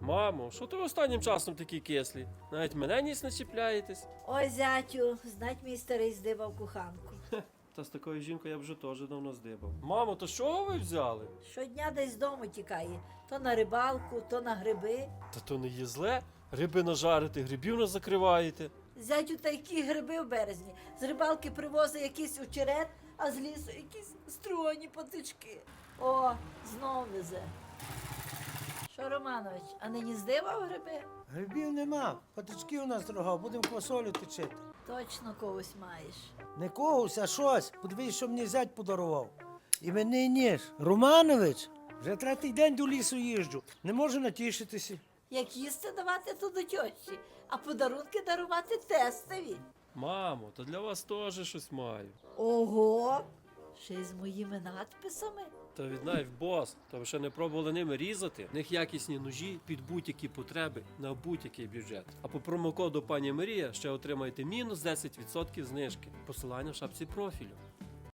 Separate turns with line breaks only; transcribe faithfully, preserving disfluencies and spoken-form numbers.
Мамо, що ти останнім часом такі кислі? Навіть мене ніс не чіпляєтесь.
Ой, зятю, знать мій старий здибав куханку.
Та з такою жінкою я б вже теж давно здибав. Мамо, то що ви взяли?
Щодня десь з дому тікає. То на рибалку, то на гриби.
Та то не є зле. Риби нажарите, грибів не закриваєте.
Зятю, та які гриби в березні. З рибалки привозить якийсь очерет, а з лісу якісь стругані патички. О, знов везе. Що, Романович, а нині здибав гриби?
Грибів нема, патички у нас дорога, будемо квасолю точити.
Точно когось маєш.
Не когось, а щось. Подивись, що мені зять подарував. Іменний ніж. Романович, вже третій день до лісу їжджу. Не можу натішитися.
Як їсти давати, то до тьощі, а подарунки дарувати тестові.
Мамо, то для вас теж щось маю.
Ого! Ще й з моїми надписами.
Та від Knife Boss, то ви ще не пробували ними різати. В них якісні ножі під будь-які потреби на будь-який бюджет. А по промокоду пані Марія ще отримаєте мінус десять відсотків знижки. Посилання в шапці профілю.